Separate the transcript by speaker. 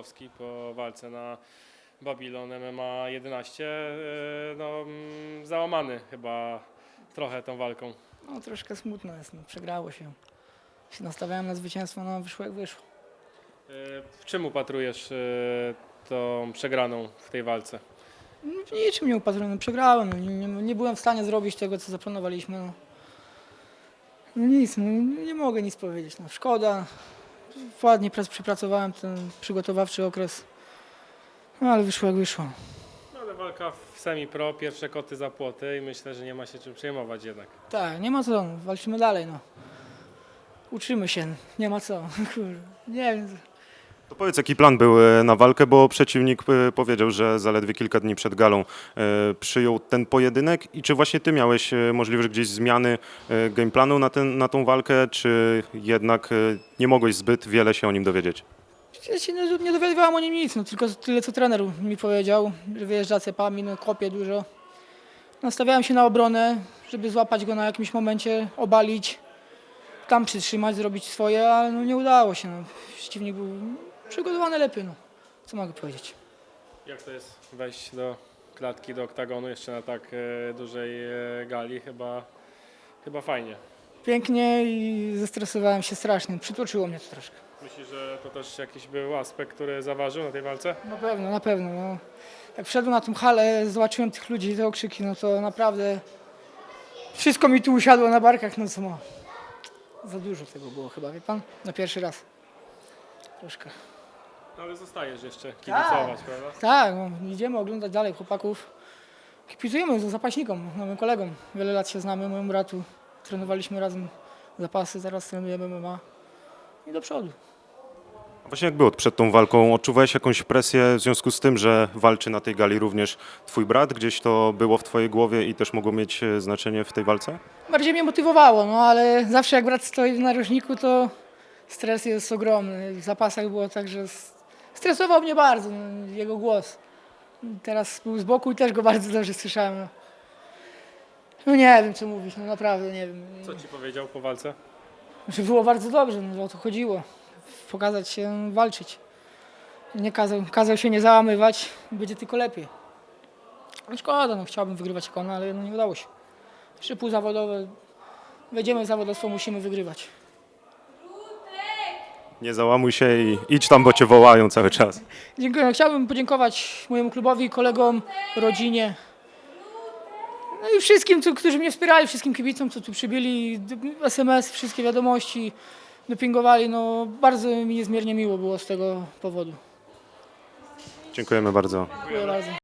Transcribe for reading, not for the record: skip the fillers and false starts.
Speaker 1: Borkowski po walce na Babylon MMA 11, załamany chyba trochę tą walką.
Speaker 2: No troszkę smutno jest, no, przegrało się. Się nastawiałem na zwycięstwo, no wyszło jak wyszło.
Speaker 1: W czym upatrujesz tą przegraną w tej walce?
Speaker 2: No, w niczym nie upatruję, no, przegrałem, no, nie byłem w stanie zrobić tego, co zaplanowaliśmy. No, no nic, no, nie mogę nic powiedzieć, no, szkoda. Ładnie przepracowałem ten przygotowawczy okres, no, ale wyszło jak wyszło.
Speaker 1: No, ale walka w semi-pro, pierwsze koty za płoty i myślę, że nie ma się czym przejmować jednak.
Speaker 2: Tak, nie ma co, no, walczymy dalej, no. Uczymy się, nie ma co, kurde, nie wiem.
Speaker 3: To powiedz, jaki plan był na walkę, bo przeciwnik powiedział, że zaledwie kilka dni przed galą przyjął ten pojedynek i czy właśnie ty miałeś możliwość gdzieś zmiany gameplanu na tą walkę, czy jednak nie mogłeś zbyt wiele się o nim dowiedzieć?
Speaker 2: Ja się nie dowiadywałem o nim nic, no, tylko tyle, co trener mi powiedział, że wyjeżdża cepami, no, kopie dużo. Nastawiałem się na obronę, żeby złapać go na jakimś momencie, obalić, tam przytrzymać, zrobić swoje, ale no, nie udało się. No. Przeciwnik był przygotowany lepiej, no. Co mogę powiedzieć?
Speaker 1: Jak to jest wejść do klatki, do oktagonu jeszcze na tak dużej gali? Chyba fajnie.
Speaker 2: Pięknie i zestresowałem się strasznie, przytłoczyło mnie to troszkę.
Speaker 1: Myślisz, że to też jakiś był aspekt, który zaważył na tej walce?
Speaker 2: Na pewno. No. Jak wszedłem na tą halę, zobaczyłem tych ludzi, te okrzyki, no to naprawdę wszystko mi tu usiadło na barkach, no co ma. Za dużo tego było chyba, wie pan? Na pierwszy raz. Troszkę.
Speaker 1: No, ale zostajesz jeszcze kibicować, prawda?
Speaker 2: Tak, no, idziemy oglądać dalej chłopaków. Kibicujemy zapaśnikom, nowym kolegom. Wiele lat się znamy, mojemu bratu. Trenowaliśmy razem zapasy, zaraz trenujemy MMA. I do przodu.
Speaker 3: A właśnie jak było przed tą walką? Odczuwałeś jakąś presję w związku z tym, że walczy na tej gali również twój brat? Gdzieś to było w twojej głowie i też mogło mieć znaczenie w tej walce?
Speaker 2: Bardziej mnie motywowało, no ale zawsze jak brat stoi w narożniku, to stres jest ogromny. W zapasach było tak, że stresował mnie bardzo, no, jego głos. Teraz był z boku i też go bardzo dobrze słyszałem. No. No nie wiem co mówić, no naprawdę nie wiem.
Speaker 1: Co ci powiedział po walce?
Speaker 2: Że było bardzo dobrze, no o to chodziło. Pokazać się, walczyć. Nie kazał się nie załamywać, będzie tylko lepiej. No szkoda, no chciałbym wygrywać jak on, ale no nie udało się. Jeszcze półzawodowe, wejdziemy w zawodowstwo, musimy wygrywać.
Speaker 3: Nie załamuj się i idź tam, bo cię wołają cały czas.
Speaker 2: Dziękuję. Chciałbym podziękować mojemu klubowi, kolegom, rodzinie. No i wszystkim, którzy mnie wspierali, wszystkim kibicom, co tu przybyli, SMS, wszystkie wiadomości, dopingowali. No, bardzo mi niezmiernie miło było z tego powodu.
Speaker 3: Dziękujemy bardzo.
Speaker 2: Dziękuję bardzo.